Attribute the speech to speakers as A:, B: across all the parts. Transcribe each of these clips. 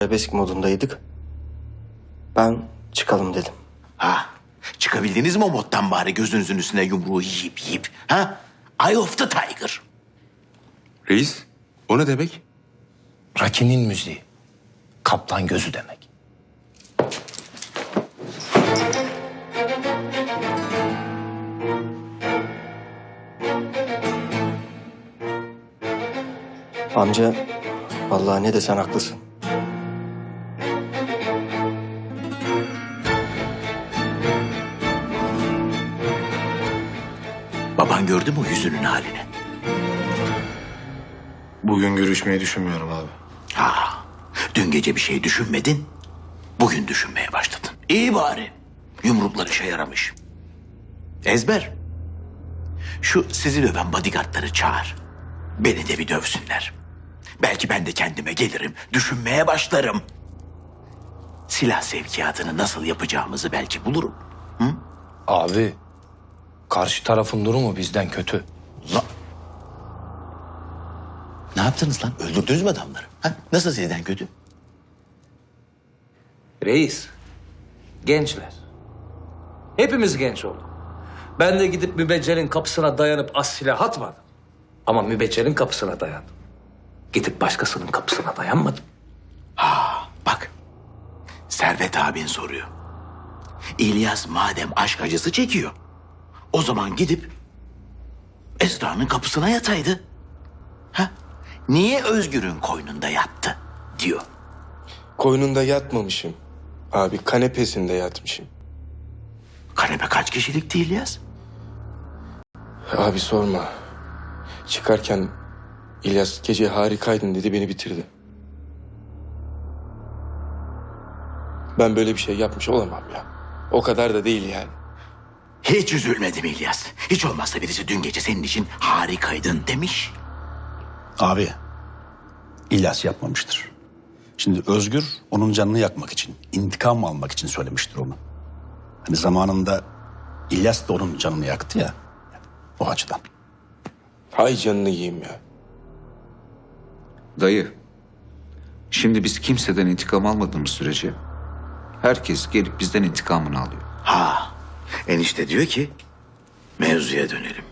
A: Arabesk modundaydık. Ben çıkalım dedim.
B: Ha, çıkabildiniz mi o moddan bari gözünüzün üstüne yumruğu yiyip? Ha? Eye of the Tiger.
C: Reis, o ne demek?
D: Raki'nin müziği. Kaplan gözü demek.
A: Amca, vallahi ne desen haklısın.
B: Baban gördü mü o yüzünün halini?
C: Bugün görüşmeyi düşünmüyorum abi.
B: Ha, dün gece bir şey düşünmedin, bugün düşünmeye başladın. İyi bari, yumruklar işe yaramış. Ezber, şu sizi döven bodyguardları çağır. Beni de bir dövsünler. Belki ben de kendime gelirim, düşünmeye başlarım. Silah sevkiyatını nasıl yapacağımızı belki bulurum.
D: Abi, karşı tarafın durumu bizden kötü.
B: Ne yaptınız lan? Öldürdünüz mü adamları? Ha? Nasıl sizden kötü?
E: Reis, gençler. Hepimiz genç olduk. Ben de gidip mübeccelin kapısına dayanıp az silah atmadım. Ama mübeccelin kapısına dayandım. Gidip başkasının kapısına dayanmadım.
B: Bak, Servet abin soruyor. İlyas madem aşk acısı çekiyor, o zaman gidip Esra'nın kapısına yataydı. Ha? Niye Özgür'ün koynunda yattı diyor.
F: Koynunda yatmamışım. Abi kanepesinde yatmışım.
B: Kanepe kaç kişilikti İlyas?
F: Abi sorma. Çıkarken İlyas gece harikaydın dedi, beni bitirdi. Ben böyle bir şey yapmış olamam ya. O kadar da değil yani.
B: Hiç üzülmedim İlyas. Hiç olmazsa birisi dün gece senin için harikaydın demiş.
G: Abi, İlyas yapmamıştır. Şimdi Özgür onun canını yakmak için, intikam almak için söylemiştir onu. Hani zamanında İlyas da onun canını yaktı ya, o açıdan.
F: Hay canını yiyeyim ya.
C: Dayı, şimdi biz kimseden intikam almadığımız sürece herkes gelip bizden intikamını alıyor.
B: Ha, enişte diyor ki mevzuya dönelim.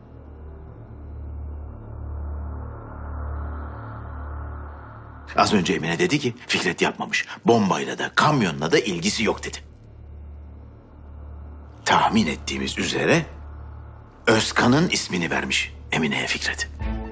B: Az önce Emine dedi ki Fikret yapmamış. Bombayla da kamyonla da ilgisi yok dedi. Tahmin ettiğimiz üzere Özkan'ın ismini vermiş Emine'ye Fikret.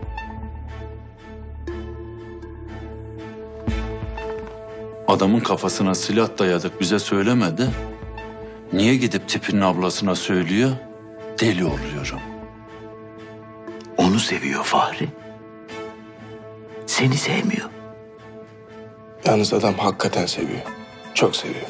H: Adamın kafasına silah dayadık bize söylemedi. Niye gidip tipinin ablasına söylüyor? Deli oluyorum.
B: Onu seviyor Fahri. Seni sevmiyor.
F: Yalnız adam hakikaten seviyor. Çok seviyor.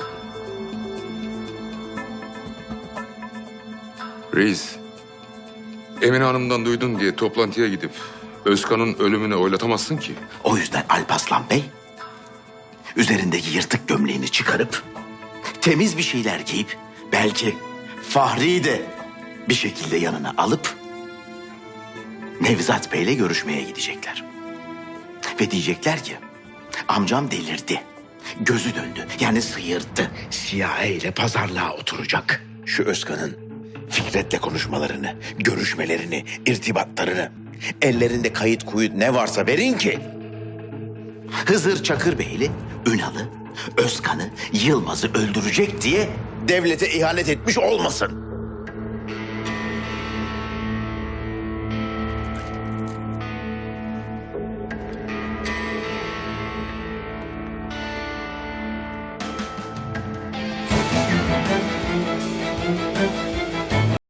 C: Reis, Emine Hanım'dan duydun diye toplantıya gidip Özkan'ın ölümünü oylatamazsın ki.
B: O yüzden Alparslan Bey üzerindeki yırtık gömleğini çıkarıp temiz bir şeyler giyip belki Fahri'yi de bir şekilde yanına alıp Nevzat Bey'le görüşmeye gidecekler. Ve diyecekler ki amcam delirdi. Gözü döndü. Yani sıyırdı. CIA ile pazarlığa oturacak. Şu Özkan'ın Fikret'le konuşmalarını, görüşmelerini, irtibatlarını, ellerinde kayıt kuyut ne varsa verin ki Hızır Çakırbeyli, Ünal'ı, Özkan'ı, Yılmaz'ı öldürecek diye devlete ihanet etmiş olmasın.